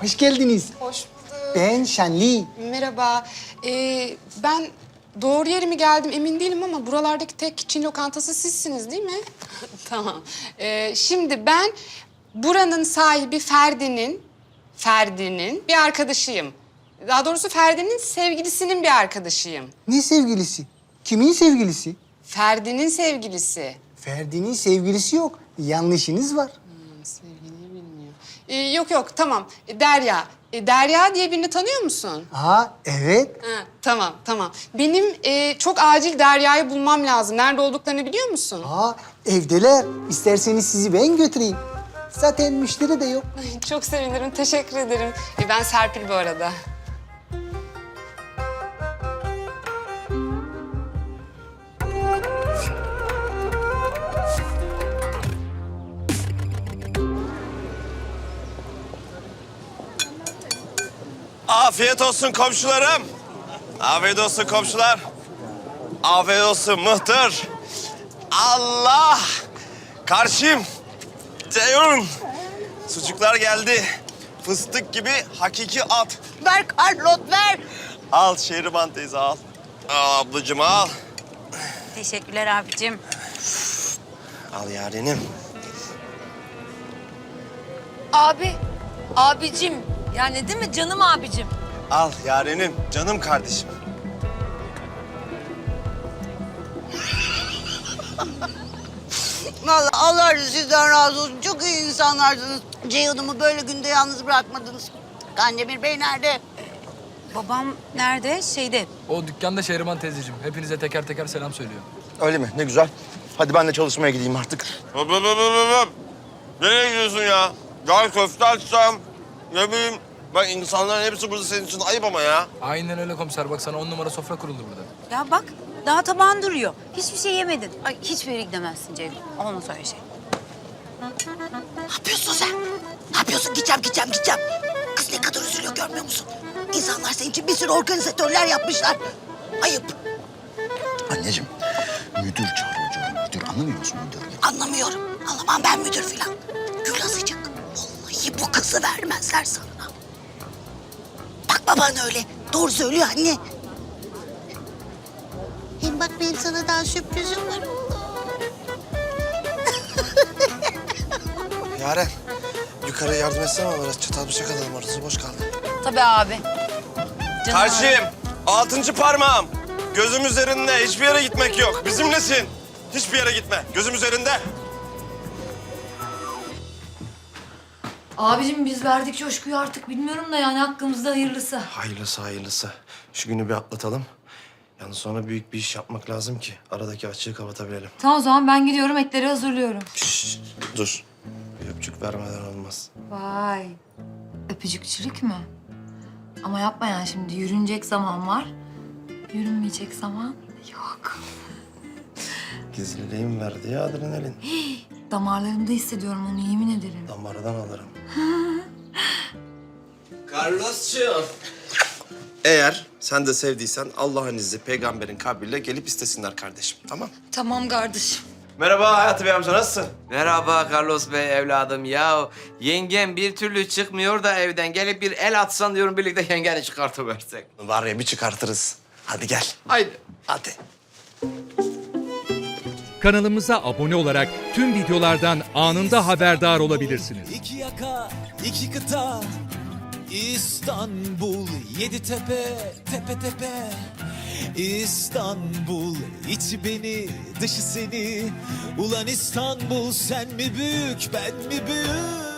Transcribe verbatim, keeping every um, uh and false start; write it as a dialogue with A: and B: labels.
A: Hoş geldiniz.
B: Hoş bulduk.
A: Ben Şenli.
B: Merhaba. Ee, ben doğru yere mi geldim emin değilim ama buralardaki tek Çin lokantası sizsiniz değil mi? Tamam. Ee, şimdi ben buranın sahibi Ferdi'nin, Ferdi'nin bir arkadaşıyım. Daha doğrusu Ferdi'nin sevgilisinin bir arkadaşıyım.
A: Ne sevgilisi? Kimin sevgilisi?
B: Ferdi'nin sevgilisi.
A: Ferdi'nin sevgilisi yok. Yanlışınız var.
B: Sevgiliyi bilmiyor. Ee, yok yok tamam. Derya. Ee, Derya diye birini tanıyor musun?
A: Aa, evet.
B: Ha, tamam, tamam. Benim e, çok acil Derya'yı bulmam lazım. Nerede olduklarını biliyor musun?
A: Aa, evdeler. İsterseniz sizi ben götüreyim. Zaten müşteri de yok.
B: Ay, çok sevinirim, teşekkür ederim. E, ben Serpil bu arada.
C: Afiyet olsun komşularım. Afiyet olsun komşular. Afiyet olsun mıhtır. Allah! Karşım. Ceyhun. Sucuklar geldi. Fıstık gibi hakiki at.
D: Ver Carlos, ver.
C: Al Şehriban teyze al. Al ablacığım al.
D: Teşekkürler abicim.
C: Al yarenim.
E: Abi, abicim. Yani değil mi canım abicim?
C: Al yarenim, canım kardeşim.
D: Vallahi Allah sizden razı olsun. Çok iyi insanlarsınız. Ceyhun'umu böyle günde yalnız bırakmadınız. Kandemir Bey nerede?
E: Babam nerede? Şeyde.
F: O dükkanda Şehriban teyzeciğim. Hepinize teker teker selam söylüyor.
G: Öyle mi? Ne güzel. Hadi ben de çalışmaya gideyim artık.
C: Hop hop hop hop hop. Nereye gidiyorsun ya? Gel köfte açsam. Ne bileyim. Bak insanların hepsi burada senin için ayıp ama ya.
F: Aynen öyle komiser. Bak sana on numara sofra kuruldu burada.
E: Ya bak, daha tabağın duruyor. Hiçbir şey yemedin. Ay hiçbir yere gidemezsin Ceyhun. Olmaz öyle şey.
D: Ne yapıyorsun sen? Ne yapıyorsun? Gideceğim, gideceğim, gideceğim. Kız ne kadar üzülüyor görmüyor musun? İnsanlar senin için bir sürü organizatörler yapmışlar. Ayıp.
G: Anneciğim, müdür çağırıyor canım. Müdür anlamıyor musun müdür?
D: Anlamıyorum. Anlamam ben müdür filan. Gül azıcık. Vallahi bu kızı vermezler sana. Bak baban öyle. Doğru söylüyor anne. Hem bak benim sana daha sürprizim var oğlum.
C: Yaren, yukarı yardım etsene ama biraz çatal bıçak alalım, orası boş kaldı.
E: Tabii abi. Canım abi.
C: Karşıyım, altıncı parmağım. Gözüm üzerinde, hiçbir yere gitmek yok. Bizimlesin. Hiçbir yere gitme, gözüm üzerinde.
H: Abicim biz verdik coşkuyu artık bilmiyorum da yani hakkımızda hayırlısı.
C: Hayırlısı hayırlısı. Şu günü bir atlatalım. Yalnız sonra büyük bir iş yapmak lazım ki aradaki açığı kapatabilelim.
H: Tamam o zaman ben gidiyorum etleri hazırlıyorum.
C: Şşş, dur. Bir öpücük vermeden olmaz.
H: Vay. Öpücükçülük mü? Ama yapma yani şimdi yürünecek zaman var. Yürünmeyecek zaman yok.
C: Gizliliğim verdi ya adrenalin.
H: Damarlarımda hissediyorum onu yemin ederim.
C: Damardan alırım. Carlos'cuğum. Eğer sen de sevdiysen Allah'ın izni peygamberin kabriyle gelip istesinler kardeşim. Tamam?
H: Tamam kardeşim.
C: Merhaba Hayati Bey amca, nasılsın?
I: Merhaba Carlos Bey evladım ya. Yengem bir türlü çıkmıyor da evden. Gelip bir el atsan diyorum birlikte yengeni çıkartıversek.
C: Var ya bir çıkartırız. Hadi gel.
I: Haydi.
C: Hadi.
J: Kanalımıza abone olarak tüm videolardan anında haberdar olabilirsiniz.
K: İki yaka, iki kıta, İstanbul, yedi tepe, tepe tepe. İstanbul, içi beni, dışı seni. Ulan İstanbul, sen mi büyük, ben mi büyük?